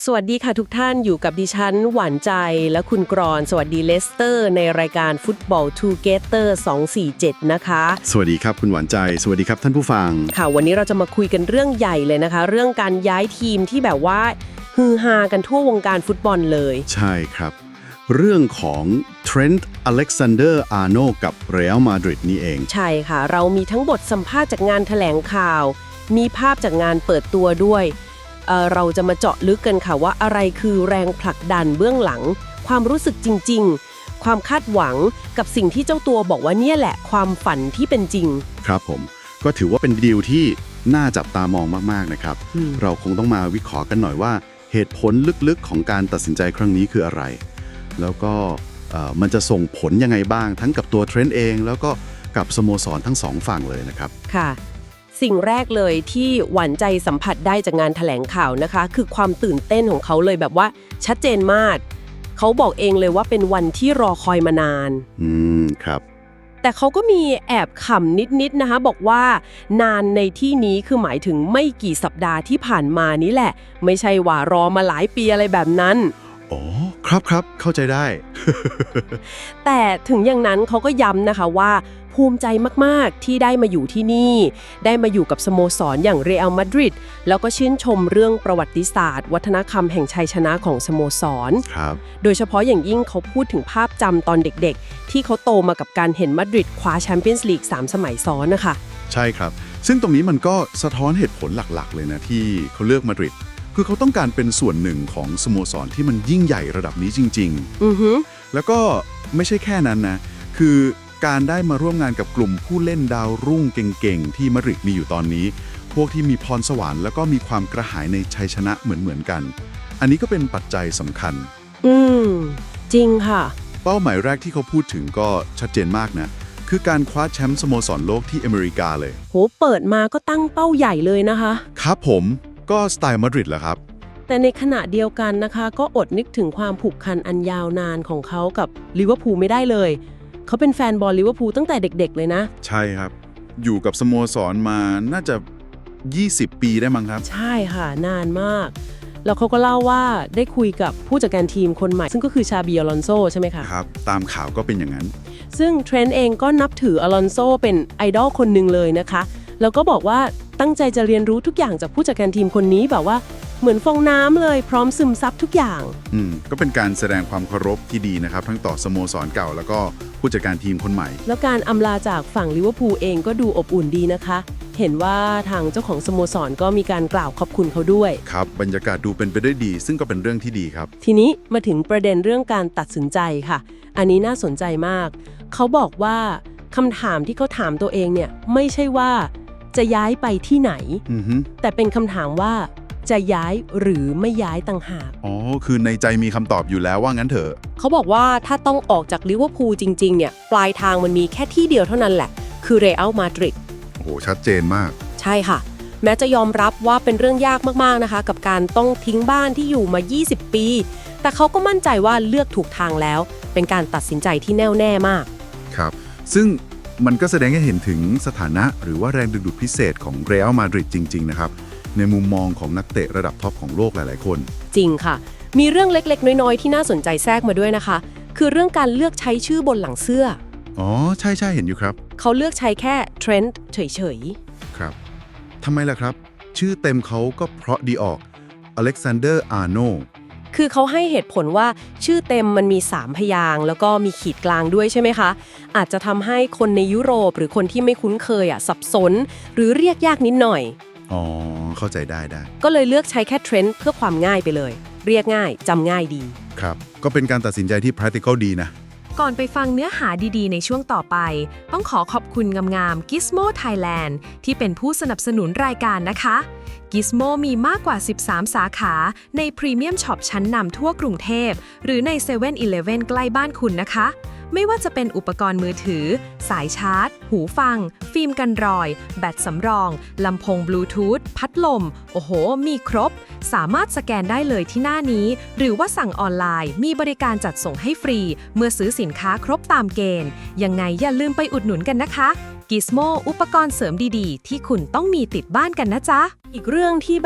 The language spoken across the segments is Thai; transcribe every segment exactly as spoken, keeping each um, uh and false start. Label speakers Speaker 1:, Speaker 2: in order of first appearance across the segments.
Speaker 1: สวัสดีค่ะทุกท่านอยู่กับดิฉันหวานใจและคุณกรอนสวัสดีเลสเตอร์ในรายการฟุตบอลทูเกเตอร์สองสี่เจ็ดนะคะ
Speaker 2: สวัสดีครับคุณหวานใจสวัสดีครับท่านผู้ฟัง
Speaker 1: ค่ะวันนี้เราจะมาคุยกันเรื่องใหญ่เลยนะคะเรื่องการย้ายทีมที่แบบว่าฮือฮากันทั่ววงการฟุตบอลเลย
Speaker 2: ใช่ครับเรื่องของเทรนต์อเล็กซานเดอร์อาร์โนกับเรอัลมาดริดนี่เอง
Speaker 1: ใช่ค่ะเรามีทั้งบทสัมภาษณ์จากงานแถลงข่าวมีภาพจากงานเปิดตัวด้วยเอ่อเราจะมาเจาะลึกกันค่ะว่าอะไรคือแรงผลักดันเบื้องหลังความรู้สึกจริงๆความคาดหวังกับสิ่งที่เจ้าตัวบอกว่าเนี่ยแหละความฝันที่เป็นจริง
Speaker 2: ครับผมก็ถือว่าเป็นดีลที่น่าจับตามองมากๆนะครับเราคงต้องมาวิเคราะห์กันหน่อยว่าเหตุผลลึกๆของการตัดสินใจครั้งนี้คืออะไรแล้วก็มันจะส่งผลยังไงบ้างทั้งกับตัวเทรนต์เองแล้วก็กับสโมสรทั้งสองฝั่งเลยนะครับ
Speaker 1: ค่ะสิ่งแรกเลยที่หวานใจสัมผัสได้จากงานแถลงข่าวนะคะคือความตื่นเต้นของเขาเลยแบบว่าชัดเจนมากเขาบอกเองเลยว่าเป็นวันที่รอคอยมานาน
Speaker 2: อืมครับ
Speaker 1: แต่เขาก็มีแอบขำนิดๆนะคะบอกว่านานในที่นี้คือหมายถึงไม่กี่สัปดาห์ที่ผ่านมานี้แหละไม่ใช่ว่ารอมาหลายปีอะไรแบบนั้น
Speaker 2: อ๋อครับครับเข้าใจได้
Speaker 1: แต่ถึงอย่างนั้นเขาก็ย้ำนะคะว่าภูมิใจมากๆที่ได้มาอยู่ที่นี่ได้มาอยู่กับสโมสรอย่างเรอัลมาดริดแล้วก็ชื่นชมเรื่องประวัติศาสตร์วัฒนธรรมแห่งชัยชนะของสโมสร
Speaker 2: ครับ
Speaker 1: โดยเฉพาะอย่างยิ่งเขาพูดถึงภาพจำตอนเด็กๆที่เขาโตมากับการเห็นมาดริดคว้าแชมเปี้ยนส์ลีกสามสมัยซ้อนนะคะ
Speaker 2: ใช่ครับซึ่งตรงนี้มันก็สะท้อนเหตุผลหลักๆเลยนะที่เขาเลือกมาดริดคือเขาต้องการเป็นส่วนหนึ่งของสโมสรที่มันยิ่งใหญ่ระดับนี้จริง
Speaker 1: ๆอือฮึ
Speaker 2: แล้วก็ไม่ใช่แค่นั้นนะคือการได้มาร่วมงานกับกลุ่มผู้เล่นดาวรุ่งเก่งๆที่มาดริดมีอยู่ตอนนี้พวกที่มีพรสวรรค์แล้วก็มีความกระหายในชัยชนะเหมือนๆกันอันนี้ก็เป็นปัจจัยสำคัญ
Speaker 1: อืมจริงค่ะ
Speaker 2: เป้าหมายแรกที่เขาพูดถึงก็ชัดเจนมากนะคือการคว้าแชมป์สโมสรโลกที่อเมริกาเลย
Speaker 1: โหเปิดมาก็ตั้งเป้าใหญ่เลยนะคะ
Speaker 2: ครับผมก็สไตล์มาดริดแหละครับ
Speaker 1: แต่ในขณะเดียวกันนะคะก็อดนึกถึงความผูกพันอันยาวนานของเขากับลิเวอร์พูลไม่ได้เลยเขาเป็นแฟนบอลลิเวอร์พูลตั้งแต่เด็กๆเลยนะ
Speaker 2: ใช่ครับอยู่กับสโมสรมาน่าจะยี่สิบปีได้มั้งครับ
Speaker 1: ใช่ค่ะนานมากแล้วเขาก็เล่าว่าได้คุยกับผู้จัดการทีมคนใหม่ซึ่งก็คือชาบีอลอนโซใช่ไหมคะ
Speaker 2: ครับตามข่าวก็เป็นอย่างนั้น
Speaker 1: ซึ่งเทรนต์เองก็นับถืออลอนโซเป็นไอดอลคนหนึ่งเลยนะคะแล้วก็บอกว่าตั้งใจจะเรียนรู้ทุกอย่างจากผู้จัดการทีมคนนี้แบบว่าเหมือนฟองน้ำเลยพร้อมซึมซับทุกอย่าง
Speaker 2: อืมก็เป็นการแสดงความเคารพที่ดีนะครับทั้งต่อสโมสรเก่าแล้วก็ผู้จัดการทีมคนใหม่
Speaker 1: แล้วการอำลาจากฝั่งลิเวอร์พูลเองก็ดูอบอุ่นดีนะคะเห็นว่าทางเจ้าของสโมสรก็มีการกล่าวขอบคุณเขาด้วย
Speaker 2: ครับบรรยากาศดูเป็นไปได้ดีซึ่งก็เป็นเรื่องที่ดีครับ
Speaker 1: ทีนี้มาถึงประเด็นเรื่องการตัดสินใจค่ะอันนี้น่าสนใจมากเขาบอกว่าคำถามที่เขาถามตัวเองเนี่ยไม่ใช่ว่าจะย้ายไปที่ไหนแต่เป็นคำถามว่าจะย้ายหรือไม่ย้ายต่างหาก
Speaker 2: อ๋อคือในใจมีคำตอบอยู่แล้วว่างั้นเถอะ
Speaker 1: เขาบอกว่าถ้าต้องออกจากลิเวอร์พูลจริงๆเนี่ยปลายทางมันมีแค่ที่เดียวเท่านั้นแหละคือเรอัลมาดริด
Speaker 2: โอ้โหชัดเจนมาก
Speaker 1: ใช่ค่ะแม้จะยอมรับว่าเป็นเรื่องยากมากๆนะคะกับการต้องทิ้งบ้านที่อยู่มายี่สิบปีแต่เขาก็มั่นใจว่าเลือกถูกทางแล้วเป็นการตัดสินใจที่แน่วแน่มาก
Speaker 2: ครับซึ่งมันก็แสดงให้เห็นถึงสถานะหรือว่าแรงดึงดูดพิเศษของเรอัลมาดริดจริงๆนะครับในมุมมองของนักเตะระดับท็อปของโลกหลายๆคน
Speaker 1: จริงค่ะมีเรื่องเล็กๆน้อยๆที่น่าสนใจแทรกมาด้วยนะคะคือเรื่องการเลือกใช้ชื่อบนหลังเสื้อ
Speaker 2: อ๋อใช่ๆเห็นอยู่ครับ
Speaker 1: เขาเลือกใช้แค่เทรนต์เฉย
Speaker 2: ๆครับทำไมล่ะครับชื่อเต็มเขาก็เพราะดีออกอเล็กซานเดอร์อาร์โน
Speaker 1: คือเขาให้เหตุผลว่าชื่อเต็มมันมีสามพยางค์แล้วก็มีขีดกลางด้วยใช่ไหมคะอาจจะทำให้คนในยุโรปหรือคนที่ไม่คุ้นเคยอ่ะสับสนหรือเรียกยากนิดหน่อย
Speaker 2: อ๋อเข้าใจได้ได้
Speaker 1: ก็เลยเลือกใช้แค่เทรนด์เพื่อความง่ายไปเลยเรียกง่ายจำง่ายดี
Speaker 2: ครับก็เป็นการตัดสินใจที่ practical ดีนะ
Speaker 3: ก่อนไปฟังเนื้อหาดีๆในช่วงต่อไปต้องขอขอบคุณงามๆ Gizmo Thailand ที่เป็นผู้สนับสนุนรายการนะคะ Gizmo มีมากกว่าสิบสามสาขาในพรีเมียมช็อปชั้นนำทั่วกรุงเทพหรือในเซเว่นอีเลฟเว่นใกล้บ้านคุณนะคะไม่ว่าจะเป็นอุปกรณ์มือถือสายชาร์จหูฟังฟิล์มกันรอยแบตสำรองลำโพงบลูทูธพัดลมโอ้โหมีครบสามารถสแกนได้เลยที่หน้านี้หรือว่าสั่งออนไลน์มีบริการจัดส่งให้ฟรีเมื่อซื้อสินค้าครบตามเกณฑ์ยังไงอย่าลืมไปอุดหนุนกันนะคะ Gizmo อุปกรณ์เสริมดีๆที่คุณต้องมีติดบ้านกันนะจ๊ะ
Speaker 1: อีกเรื่องที่แบบ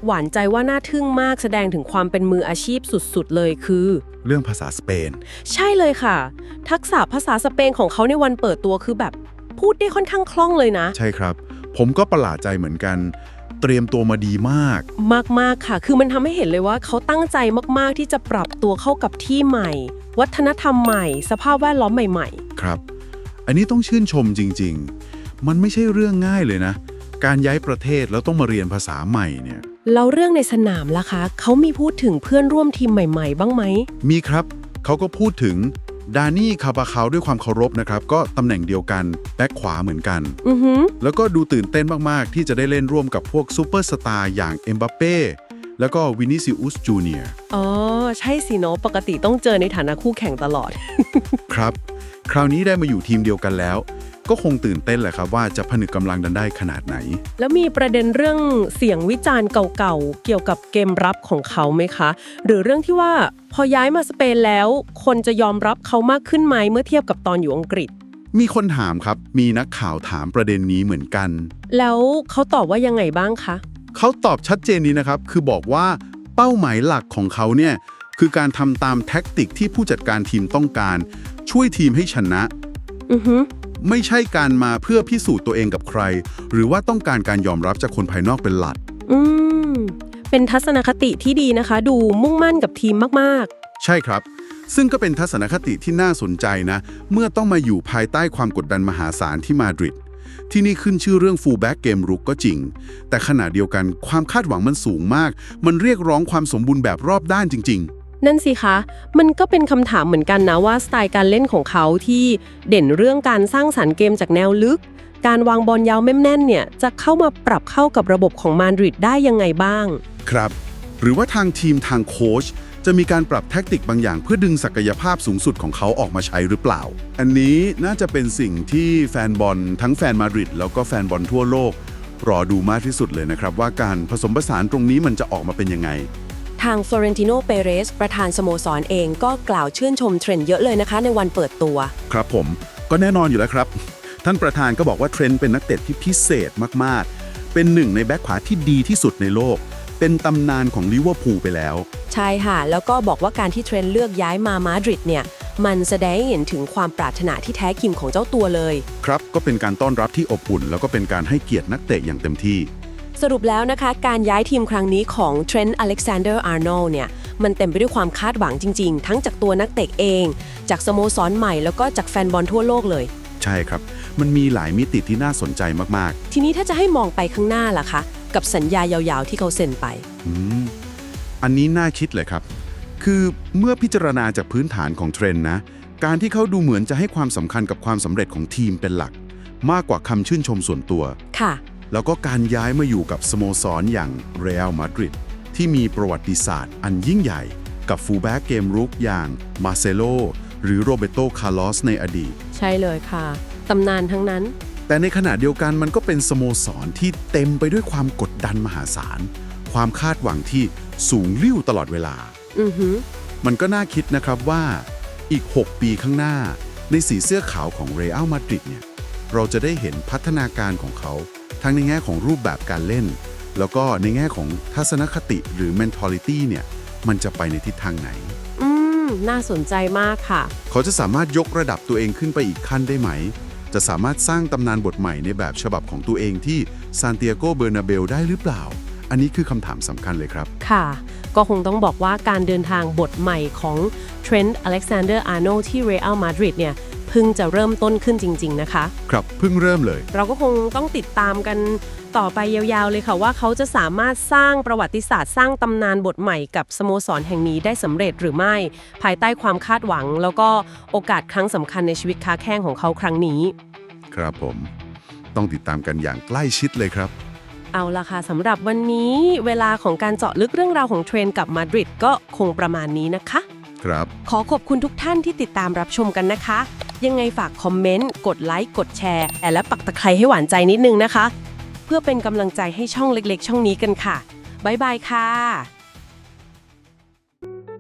Speaker 1: หวานใจว่าน่าทึ่งมากแสดงถึงความเป็นมืออาชีพสุดๆเลยคือ
Speaker 2: เรื่องภาษาสเปน
Speaker 1: ใช่เลยค่ะ ทักษะภาษาสเปนของเขาในวันเปิดตัวคือแบบพูดได้ค่อนข้างคล่องเลยนะ
Speaker 2: ใช่ครับ ผมก็ประหลาดใจเหมือนกัน เตรียมตัวมาดีมาก
Speaker 1: มากๆค่ะ คือมันทำให้เห็นเลยว่าเขาตั้งใจมากๆที่จะปรับตัวเข้ากับที่ใหม่ วัฒนธรรมใหม่ สภาพแวดล้อมใหม่ๆ
Speaker 2: ครับ อันนี้ต้องชื่นชมจริงๆ มันไม่ใช่เรื่องง่ายเลยนะ การย้ายประเทศแล้วต้องมาเรียนภาษาใหม่เนี่ย
Speaker 1: แล้วเรื่องในสนามล่ะคะ เขามีพูดถึงเพื่อนร่วมทีมใหม่ๆ บ้างไหม
Speaker 2: มีครับ เขาก็พูดถึงดานี่คาบาคาวด้วยความเคารพนะครับ ก็ตำแหน่งเดียวกันแบ็คขวาเหมือนกัน
Speaker 1: อือหือ
Speaker 2: แล้วก็ดูตื่นเต้นมากๆ ที่จะได้เล่นร่วมกับพวกซูเปอร์สตาร์อย่างเอ็มบัปเป้แล้วก็วินิซิอุสจูเนียร์
Speaker 1: อ๋อ ใช่สิเนาะปกติต้องเจอในฐานะคู่แข่งตลอด
Speaker 2: ครับ คราวนี้ได้มาอยู่ทีมเดียวกันแล้ว ก็คงตื่นเต้นแหละครับว่าจะผนึกกำลังกันได้ขนาดไหน
Speaker 1: แล้วมีประเด็นเรื่องเสียงวิจารณ์เก่าๆ เกี่ยวกับเกมรับของเขาไหมคะ หรือเรื่องที่ว่าพอย้ายมาสเปนแล้ว คนจะยอมรับเขามากขึ้นไหมเมื่อเทียบกับตอนอยู่อังกฤษ
Speaker 2: มีคนถามครับ มีนักข่าวถามประเด็นนี้เหมือนกัน
Speaker 1: แล้วเขาตอบว่ายังไงบ้างคะ
Speaker 2: เขาตอบชัดเจนนี้นะครับ คือบอกว่าเป้าหมายหลักของเขาเนี่ยคือการทำตามแท็กติกที่ผู้จัดการทีมต้องการ ช่วยทีมให้ชนะ
Speaker 1: อือฮึ
Speaker 2: ไม่ใช่การมาเพื่อพิสูจน์ตัวเองกับใคร หรือว่าต้องการการยอมรับจากคนภายนอกเป็นหลัก
Speaker 1: อืม เป็นทัศนคติที่ดีนะคะ ดูมุ่งมั่นกับทีมมาก
Speaker 2: ใช่ครับ ซึ่งก็เป็นทัศนคติที่น่าสนใจนะ เมื่อต้องมาอยู่ภายใต้ความกดดันมหาศาลที่มาดริด ที่นี่ขึ้นชื่อเรื่องฟูลแบ็กเกมรุกก็จริง แต่ขณะเดียวกันความคาดหวังมันสูงมาก มันเรียกร้องความสมบูรณ์แบบรอบด้านจริง
Speaker 1: ๆ นั่นสิคะ มันก็เป็นคำถามเหมือนกันนะว่าสไตล์การเล่นของเขาที่เด่นเรื่องการสร้างสรรค์เกมจากแนวลึก การวางบอลยาวแม่นๆเนี่ยจะเข้ามาปรับเข้ากับระบบของมาดริดได้ยังไงบ้าง
Speaker 2: ๆ ครับ หรือว่าทางทีมทางโค้ชจะมีการปรับแทคติกบางอย่างเพื่อดึงศักยภาพสูงสุดของเขาออกมาใช้หรือเปล่า อันนี้น่าจะเป็นสิ่งที่แฟนบอลทั้งแฟนมาดริดแล้วก็แฟนบอลทั่วโลกรอดูมากที่สุดเลยนะครับว่าการผสมผสานตรงนี้มันจะออกมาเป็นยังไง
Speaker 4: ทางฟลอเรนติโน เปเรส ประธานสโมสรเองก็กล่าวชื่นชมเทรนด์เยอะเลยนะคะในวันเปิดตัว
Speaker 2: ครับผมก็แน่นอนอยู่แล้วครับ ท่านประธานก็บอกว่าเทรนต์เป็นนักเตะที่พิเศษมากๆ เป็นหนึ่งในแบ็คขวาที่ดีที่สุดในโลก เป็นตำนานของลิเวอร์พูลไปแล้ว
Speaker 4: ใช่ค่ะ แล้วก็บอกว่าการที่เทรนด์เลือกย้ายมามาดริดเนี่ย มันแสดงให้เห็นถึงความปรารถนาที่แท้จริงของเจ้าตัวเลย
Speaker 2: ครับก็เป็นการต้อนรับที่อบอุ่น แล้วก็เป็นการให้เกียรตินักเตะอย่างเต็มที่
Speaker 4: สรุปแล้วนะคะ การย้ายทีมครั้งนี้ของเทรนต์ อเล็กซานเดอร์ อาร์โนลด์เนี่ย มันเต็มไปด้วยความคาดหวังจริงๆ ทั้งจากตัวนักเตะเอง จากสโมสรใหม่แล้วก็จากแฟนบอลทั่วโลกเลย
Speaker 2: ใช่ครับ มันมีหลายมิติที่น่าสนใจมาก
Speaker 4: ทีนี้ถ้าจะให้มองไปข้างหน้าล่ะคะ กับสัญญายาวๆที่เขาเซ็นไป
Speaker 2: ๆอืมอันนี้น่าคิดเลยครับ คือเมื่อพิจารณาจากพื้นฐานของเทรนต์นะ การที่เขาดูเหมือนจะให้ความสำคัญกับความสำเร็จของทีมเป็นหลัก มากกว่าคำชื่นชมส่วนตัว
Speaker 4: ค่ะ
Speaker 2: แล้วก็การย้ายมาอยู่กับสโมสรอย่างเรอัลมาดริดที่มีประวัติศาสตร์อันยิ่งใหญ่กับฟูลแบ็กเกมรุกอย่างมาเซโลหรือโรเบโต คาร์ลอสในอดีต
Speaker 1: ใช่เลยค่ะตำนานทั้งนั้น
Speaker 2: แต่ในขณะเดียวกันมันก็เป็นสโมสรที่เต็มไปด้วยความกดดันมหาศาล ความคาดหวังที่สูงลิ่วตลอดเวลา
Speaker 1: อือหือ
Speaker 2: มันก็น่าคิดนะครับว่าอีก หก ปีข้างหน้า ในสีเสื้อขาวของเรอัลมาดริดเนี่ยเราจะได้เห็นพัฒนาการของเขา ทั้งในแง่ของรูปแบบการเล่น แล้วก็ในแง่ของทัศนคติหรือ mentality เนี่ยมันจะไปในทิศทางไหน
Speaker 1: อืม น่าสนใจมากค่ะ
Speaker 2: เขาจะสามารถยกระดับตัวเองขึ้นไปอีกขั้นได้ไหม จะสามารถสร้างตำนานบทใหม่ในแบบฉบับของตัวเองที่ซานติอาโก เบอร์นาเบลได้หรือเปล่า อันนี้คือคำถามสำคัญเลยครับ
Speaker 1: ค่ะ ก็คงต้องบอกว่าการเดินทางบทใหม่ของเทรนต์ อเล็กซานเดอร์ อาร์โนลด์ที่เรอัลมาดริดเนี่ยเพิ่งจะเริ่มต้นขึ้นจริงๆนะคะ
Speaker 2: ครับเพิ่งเริ่มเลย
Speaker 1: เราก็คงต้องติดตามกันต่อไปยาวๆเลยค่ะว่าเขาจะสามารถสร้างประวัติศาสตร์สร้างตำนานบทใหม่กับสโมสรแห่งนี้ได้สำเร็จหรือไม่ ภายใต้ความคาดหวัง แล้วก็โอกาสครั้งสำคัญในชีวิตค้าแข้งของเขาครั้งนี้
Speaker 2: ครับผมต้องติดตามกันอย่างใกล้ชิดเลยครับ
Speaker 1: เอาล่ะค่ะสำหรับวันนี้เวลาของการเจาะลึกเรื่องราวของเทรนด์กับมาดริดก็คงประมาณนี้นะคะ
Speaker 2: ครับ
Speaker 1: ขอขอบคุณทุกท่านที่ติดตามรับชมกันนะคะ ยังไงฝากคอมเมนต์ กดไลค์ กดแชร์ และปักตะไคร้ให้หวานใจนิดนึงนะคะ เพื่อเป็นกำลังใจให้ช่องเล็กๆ ช่องนี้กันค่ะ บ๊ายบายค่ะ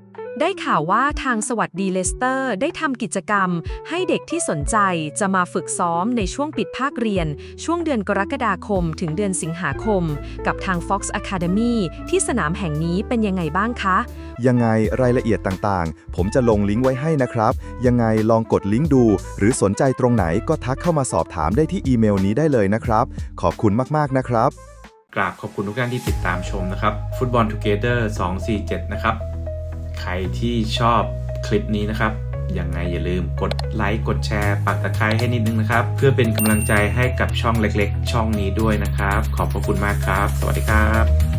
Speaker 3: ได้ข่าวว่าทางสวัสดีเลสเตอร์ได้ทำกิจกรรมให้เด็กที่สนใจจะมาฝึกซ้อมในช่วงปิดภาคเรียนช่วงเดือนกรกฎาคมถึงเดือนสิงหาคมกับทาง Fox Academy ที่สนามแห่งนี้เป็นยังไงบ้างคะ
Speaker 5: ยังไงรายละเอียดต่างๆ ผมจะลงลิงก์ไว้ให้นะครับ ยังไงลองกดลิงก์ดู หรือสนใจตรงไหนก็ทักเข้ามาสอบถามได้ที่อีเมลนี้ได้เลยนะครับ ขอบคุณมากๆนะครับ
Speaker 6: กราบขอบคุณทุกท่านที่ติดตามชมนะครับ Football Together สองสี่เจ็ดนะครับใครที่ชอบคลิปนี้นะครับยังไงอย่าลืมกดไลค์กดแชร์ปักตะไคร้ให้นิดนึงนะครับเพื่อเป็นกำลังใจให้กับช่องเล็กๆ ช่องนี้ด้วยนะครับขอบพระคุณมากครับสวัสดีครับ